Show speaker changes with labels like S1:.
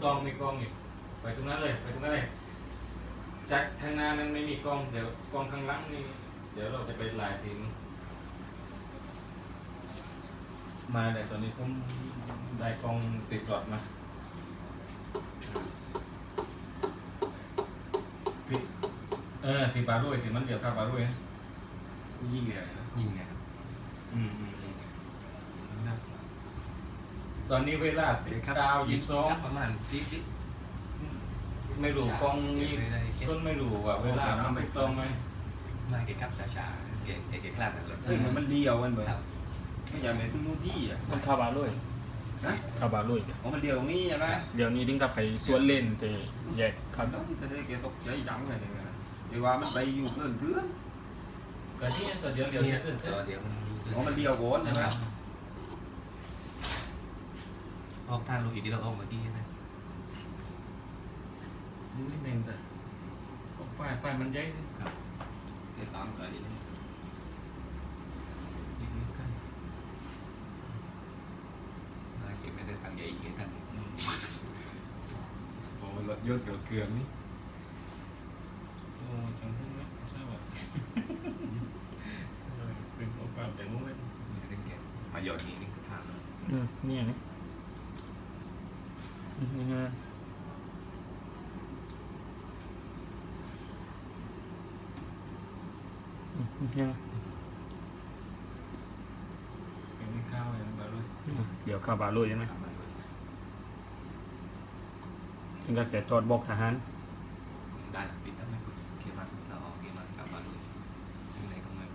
S1: กล้องอีกไปตรงนั้นเลยจากทางหน้านั้นไม่มีกล้องเดี๋ยวกล้องข้างหลังนี่เดี๋ยวเราจะไปหลายทีมมาแต่ตอนนี้ผมได้กล้องติดหลอดมาที่ปลาด้วยที่มันเดี๋ยวข้าวปลาด้วย
S2: ยิงเลยนะ
S3: ยิงเนี่ย
S1: ตอนนี้เวลา19:22
S3: ประมาณ40
S1: ไม่รู้กล้องนี่ต้นไม่รู้ว่าเวลามันถูกต้องไหม
S3: มาเก็บกับช้าๆเก็บคลาดนั่นแหละ
S2: มันเดียวกันเหมือนไม่อยากเป็นทุกนู่นที่อ่ะ
S4: มันข้าวบาลุยข้าวบาลุย
S2: มันเดียวตรงนี้ใช่ไหม
S4: เดี๋ยวนี้ถึงกับไปสวนเล่นจะแยกครับ
S2: ต้องจะได้เกี่ยวกับใจดำอะไรเนี่ยเดี๋ยวว่ามันไปอยู่เพื่อนเถื่อน
S1: ก็นี่ตัวเดียว
S2: มันเดียวโวนใช่ไหม
S3: ออกทางลูกอีกที่เราออกเมื่อกี้นะ
S1: นิดนึงแต่ก็ไฟมันใหญ่
S2: ครับเดี๋ยวตามอะไรนี่
S3: เก็บไม่ได้ตังใหญ่อีกท่าน
S2: โอ้รถยนต์เกลือนี่
S1: โอ้จังหุ้นไหมใช่ป่ะเป็นโอกาสแต่หุ้นไหม
S3: นี่เรื่องแกมาหยอดนี่นี่คือทางเลย
S4: นี่นี่นี่ฮะยัง
S1: เป็นข้าวอย่างบาลุย
S4: เดี๋ยวข้าวบาลุยใช่ไหมถึงกับแกจอดบอกทหาร
S3: ได้ปิดทำไม